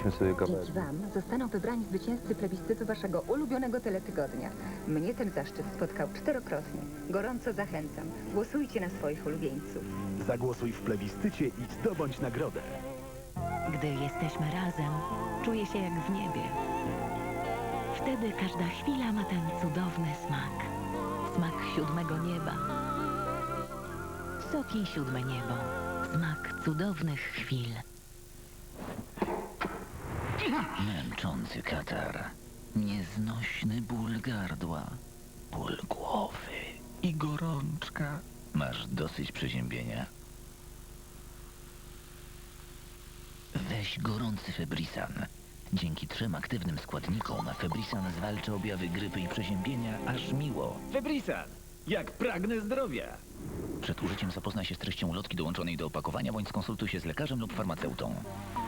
Puśćmy sobie kawałek. Dzięki wam zostaną wybrani zwycięzcy plebiscytu waszego ulubionego teletygodnia. Mnie ten zaszczyt spotkał czterokrotnie. Gorąco zachęcam. Głosujcie na swoich ulubieńców. Zagłosuj w plebiscycie i zdobądź nagrodę. Gdy jesteśmy razem, czuję się jak w niebie. Wtedy każda chwila ma ten cudowny smak. Smak siódmego nieba. Soki siódme niebo. Smak cudownych chwil. Męczący katar. Nieznośny ból gardła. Ból głowy i gorączka. Masz dosyć przeziębienia? Weź gorący Febrisan. Dzięki 3 aktywnym składnikom Febrisan zwalcza objawy grypy i przeziębienia aż miło. Febrisan, jak pragnę zdrowia. Przed użyciem zapoznaj się z treścią ulotki dołączonej do opakowania bądź skonsultuj się z lekarzem lub farmaceutą.